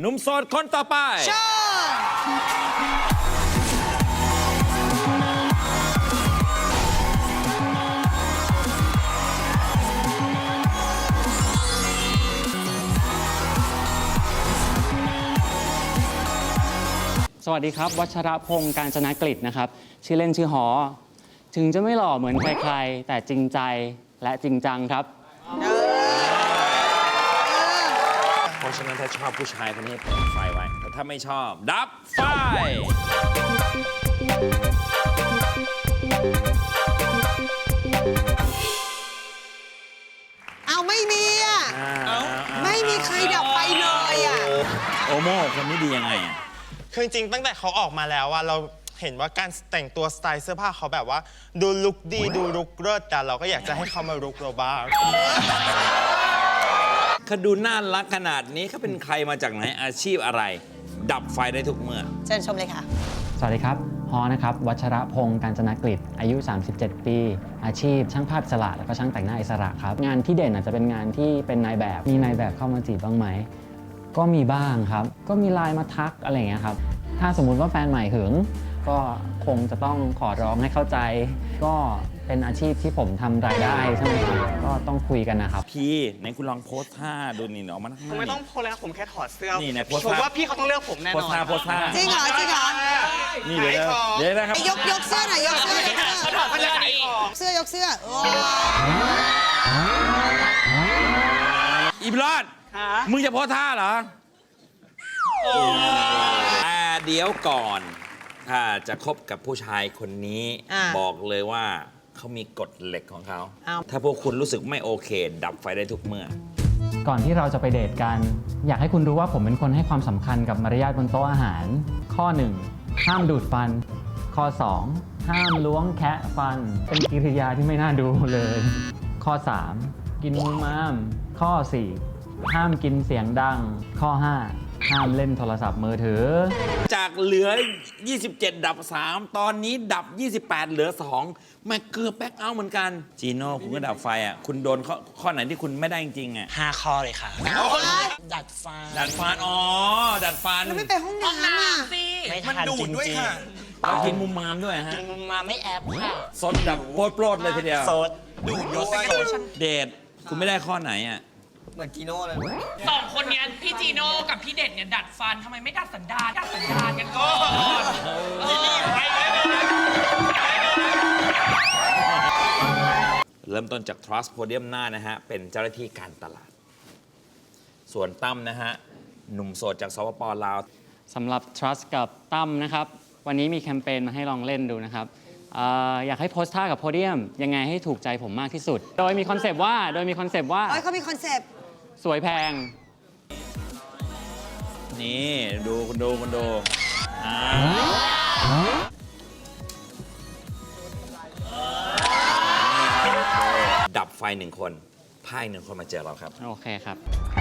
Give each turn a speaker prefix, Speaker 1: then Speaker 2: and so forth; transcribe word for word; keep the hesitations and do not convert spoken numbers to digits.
Speaker 1: หนุ่มโสดคนต่อไป
Speaker 2: สวัสดีครับวัชรพงศ์กาญจนกฤษนะครับชื่อเล่นชื่อหอถึงจะไม่หล่อเหมือนใครๆแต่จริงใจและจริงจังครับ
Speaker 1: เพราะฉะนั้นถ้าชอบผู้ชายคนนี้เปิดไฟไว้แต่ถ้าไม่ชอบดับไฟ
Speaker 3: เอาไม่มีอ่ะไม่มีใครดับไฟเลยอ่ะ
Speaker 1: โอโม่คนนี้ดียังไงอ่ะ
Speaker 4: คือจริงๆตั้งแต่เขาออกมาแล้วอะเราเห็นว่าการแต่งตัวสไตล์เสื้อผ้าเขาแบบว่าดูลุคดีดูลุคเลิศแต่เราก็อยากจะให้เขามาลุคเราบ้าง
Speaker 1: เขาดูน่ารักขนาดนี้เขาเป็นใครมาจากไหนอาชีพอะไร ดับไฟได้ทุกเมื่อ
Speaker 3: เชิญชมเลยค่ะ
Speaker 2: สวัสดีครับฮอนะครับวัชรพงศ์กาญจนกฤษอายุสามสิบเจ็ดปีอาชีพช่างภาพอิสระแล้วก็ช่างแต่งหน้าอิสระครับงานที่เด่นอาจจะเป็นงานที่เป็นนายแบบมีนายแบบเข้ามาจีบบ้างไหมก็มีบ้างครับก็มีไลน์มาทักอะไรอย่างเงี้ยครับถ้าสมมุติว่าแฟนใหม่หึงก็คงจะต้องขอร้องให้เข้าใจก็เป็นอาชีพที่ผมทำรายได้ใช่ไหมครับก็ต้องคุยกันนะครับ
Speaker 1: พี่ไหนคุณลองโพสท่าดูนี่ออกมา
Speaker 4: ผมไม่ต้องโพสแล้วผมแค่ถอดเสื้อ
Speaker 1: นี่นะโพส
Speaker 4: ผมว่าพี่เขาต้องเลือกผมแน่นอน
Speaker 1: โพสท่าโพสท่า
Speaker 3: จริงเหรอจริงเหรอ
Speaker 1: นี่เดี๋ยวเดี๋ยวนะครับ
Speaker 3: ยกยกเสื้อหน่อยยกเสื้อยกเสื้อ
Speaker 4: เขาถอดมาจากไหน
Speaker 3: เสื้อยกเสื้อ
Speaker 1: อีบลอดมึงจะโพสท่าเหรอแต่เดี๋ยวก่อนถ้าจะคบกับผู้ชายคนนี้บอกเลยว่าเขามีกฎเหล็กของเขาถ้าพวกคุณรู้สึกไม่โอเคดับไฟได้ทุกเมื่อ
Speaker 2: ก่อนที่เราจะไปเดทกันอยากให้คุณรู้ว่าผมเป็นคนให้ความสำคัญกับมารยาทบนโต๊ะอาหารข้อหนึ่งห้ามดูดฟันข้อสองห้ามล้วงแคะฟันเป็นกิริยาที่ไม่น่าดูเลยข้อสามกินมุมมามข้อสี่ห้ามกินเสียงดังข้อห้าห้ามเล่นโทรศัพท์มือถือ
Speaker 1: จากเหลือยี่สิบเจ็ดดับสามตอนนี้ดับยี่สิบแปดเหลือสองแม่เกือบแบ็คเอาท์เหมือนกันจีโน่คุณก็ดับไฟอ่ะคุณโดนข้อข้อไหนที่คุณไม่ได้จริงๆอ่ะ
Speaker 4: ห้าข้อเลยค่ะ
Speaker 1: ดัดฟันดัดฟันอ๋อดัดฟัน
Speaker 3: แล้วไม่ไปห้องน้ำอ่ะ
Speaker 4: มันดูดด้วยค่ะ
Speaker 1: เรากินมุมมามด้วยฮะ
Speaker 4: กินมุมมามไม่แอบค่ะ
Speaker 1: สดดับโปรดเลยทีเดียว
Speaker 4: สดดูดด้วย
Speaker 1: เดทคุณไม่ได้ข้อไหนอ่ะ
Speaker 4: เหมือนจีโน่เลย
Speaker 5: สองคนนี้พี่จีโน่กับพี่เด็ดเนี่ยดัดฟันทำไมไม่ดัดสันดานดัดสันดานกันก่อน
Speaker 1: เริ่มต้นจาก Trust Podium หน้านะฮะเป็นเจ้าหน้าที่การตลาดส่วนตั้มนะฮะหนุ่มโสดจากสปป.ลาว
Speaker 2: สำหรับ Trust กับตั้มนะครับวันนี้มีแคมเปญมาให้ลองเล่นดูนะครับ อ, อยากให้โพสท่ากับโพเดียมยังไงให้ถูกใจผมมากที่สุดโดยมีคอนเซปต์ว่าโดยมีคอนเซปต์ว่า
Speaker 3: เขามีคอนเซปต์
Speaker 2: สวยแพง
Speaker 1: นี่ดูคุณดูคุณดูดับไฟหนึ่งคนพายหนึ่งคนมาเจอเราครับ
Speaker 2: โอเคครับ